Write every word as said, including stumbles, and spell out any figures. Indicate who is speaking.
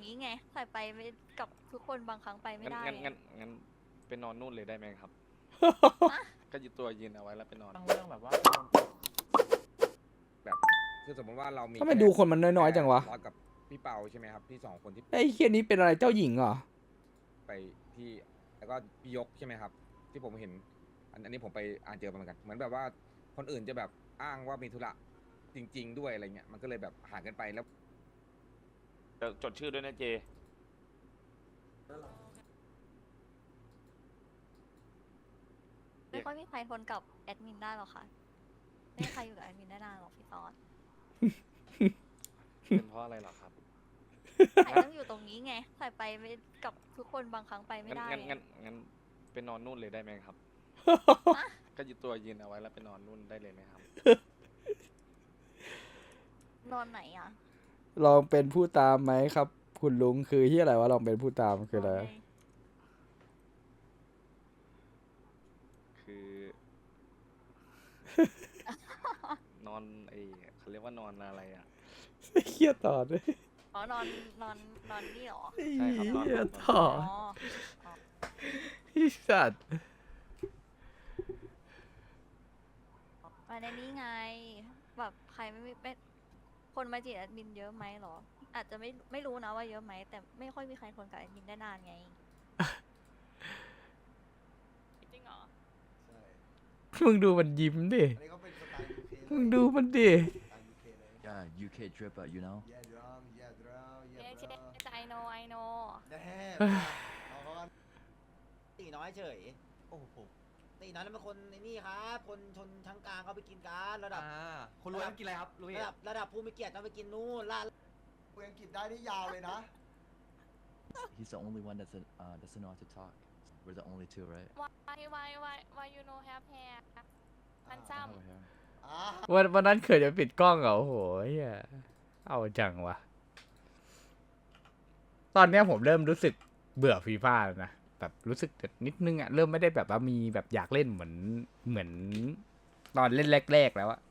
Speaker 1: นี้ไงใส่ไปไม่กับทุกคนบางครั้งไปไม่
Speaker 2: งั้น
Speaker 1: ได้
Speaker 2: งั้น
Speaker 1: ไง
Speaker 2: งั้นงั้นไปนอนนู่นเลยได้ไหมครับ
Speaker 1: ฮะ
Speaker 2: ก็ยืนตัวยืนเอาไว้แล้วไปนอน
Speaker 3: ตั้งเรื่องแบบว่า
Speaker 4: แบบคือสมมติว่าเรามี
Speaker 5: ทำไมดูคนมันน้อยๆจังวะ
Speaker 4: ร้อยกับพี่เปาใช่ไหมครับพี่สองคนที่
Speaker 5: ไอ้เคียนี้เป็นอะไรเจ้าหญิงเหรอ
Speaker 4: ไปที่แล้วก็พี่ยกใช่ไหมครับ ที่ผมเห็น อันอันนี้ผมไปอ่านเจอมาเหมือนกัน เหมือนแบบว่าคนอื่นจะแบบอ้างว่ามีธุระจริง ๆ ด้วยอะไรเงี้ยมันก็เลยแบบห่างกันไปแล้ว
Speaker 2: แต่จดชื่อด้วยนะเจ
Speaker 1: ไม่ค่อยมีใครทนกับแอดมินได้หรอกค่ะไม่มีใครอยู่กับแอดมินได้นานหรอกพี่ตอน
Speaker 2: เป็นเพราะอะไรเหรอครับ
Speaker 1: ใส่ต้องอยู่ตรงนี้ไงใส่ไปไม่กับทุกคนบางครั้งไปไม่
Speaker 2: งั้น
Speaker 1: ได้
Speaker 2: งั้น
Speaker 1: ไง
Speaker 2: งั้นงั้นไปนอนนู่นเลยได้ไหมครับ
Speaker 1: ฮะ
Speaker 2: ก็ยืนตัวยืนเอาไว้แล้วไปนอนนู่นได้เลยไหมครับ
Speaker 1: นอนไหนอ่ะ
Speaker 5: ลองเป็นผู้ตามไหมครับ คุณลุงคือที่อะไรวะลองเป็นผู้ตามคืออะไร
Speaker 1: นนใน
Speaker 2: คือ นอนไอเขาเรียกว่านอนอะไรอ่ะ
Speaker 5: เครียดต่อด้วย
Speaker 1: อ๋อนอนนอนนอนนี่เหรอ
Speaker 2: ใช่ครับนอน
Speaker 5: เครียด
Speaker 2: นอน
Speaker 5: ต่อ
Speaker 1: อ๋อ
Speaker 5: ไอ้สัตว์
Speaker 1: มาในนี้ไง แบบใครไม่ไม่คนมาจีบแอดมินเยอะไหมเหรอ อาจจะไม่ไม่รู้นะว่าเยอะไหมแต่ไม่ค่อยมีใครทนกับแอดมินได้นานไงจริงเหรอ
Speaker 6: ใช่
Speaker 5: มึงดูมันยิ้มดิ
Speaker 6: อันนี้เขาเป็นสไตล์ ยู เค
Speaker 5: มึงดูมันดิ
Speaker 6: สไตล์ ยู เค เลย
Speaker 7: Yeah, U K drip, uh, you know.
Speaker 6: Yeah drum yeah drum
Speaker 1: เย้
Speaker 6: yeah
Speaker 1: เจ๊
Speaker 6: drum
Speaker 1: ไอโนไอโน
Speaker 6: แน่เอาเขากัน
Speaker 8: ตีน้อยเฉย โอ้โหตีน้อยนั่นเป็นคนในนี่ครับ คนชนชั้นกลางเขาไปกินกันระดับ
Speaker 3: คนรวยต้องกินอะไรครับรู้
Speaker 8: ระ
Speaker 3: ไหม
Speaker 8: ดับระดับผู้มีเกียรติต้องไปกินนู่นล่า
Speaker 6: คุยอังกฤษได้นี่ยาวเลยนะ
Speaker 7: He's the only one that's uh, doesn't know how to talk. We're the only two, right?
Speaker 1: why why why why you no have hair มันซ้
Speaker 7: Over here.
Speaker 6: อ่า
Speaker 5: วันวันนั้นเขินจะปิดกล้องเหรอโอ้โหเฮียเอาจังวะ ตอนเนี้ยผมเริ่มรู้สึกเบื่อฟีฟ่าแล้วนะ แบบรู้สึกนิดนึงอะเริ่มไม่ได้แบบว่ามีแบบอยากเล่นเหมือนเหมือนตอนเล่นแรกๆแล้วอะ